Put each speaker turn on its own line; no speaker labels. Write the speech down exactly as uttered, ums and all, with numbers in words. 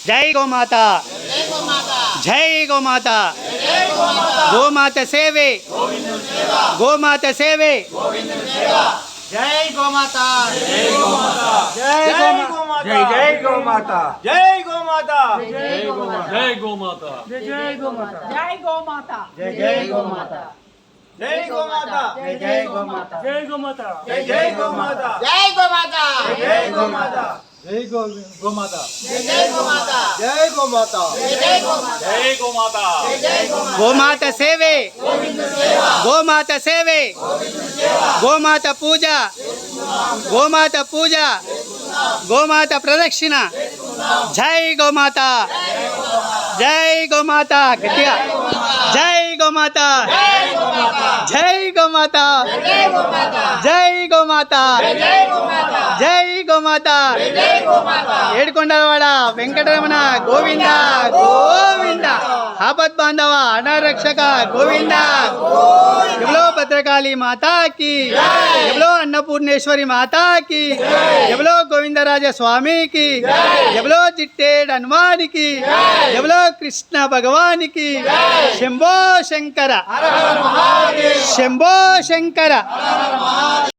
जय गोमाता जय गोमाता गोमाता सेवे गोमाता सेवे
जय गोमाता
जय गोमाता
जय गोमाता
जय जय गोमाता
जय गोमाता
जय गोमाता जय गोमाता
जय जय गोमाता
जय गोमाता
जय जय गोमाता जय गोमाता जय जय गोमाता
जय गोमाता
जय जय गोमाता
जय गोमाता
जय जय गोमाता
जय गो गोमाता
जय जय गोमाता
जय गोमाता
जय जय गोमाता
जय गोमाता
जय जय गोमाता
गोमाता सेवे गोमाता सेवे गोमाता पूजा गोमाता पूजा गोमाता प्रदक्षिण जय गोमाता जय गोमाता गट्टिगा जय गोमाता जय गोमाता
जय गोमाता
जय गोमाता
जय गोमाता
जय गोमाता
जय गोमाता
ఏడుకొండలవాడ వెంకటరమణ గోవింద గోవింద ఆపద్ బాంధవ అనారక్షక గోవింద ఎవలో భద్రకాళి మాతాకి ఎవలో అన్నపూర్ణేశ్వరి మాతాకి ఎవలో గోవిందరాజ స్వామికి ఎవలో చిట్టేడు హనుమానికి ఎవలో కృష్ణ భగవానికి శంభో శంకర శంభో శంకర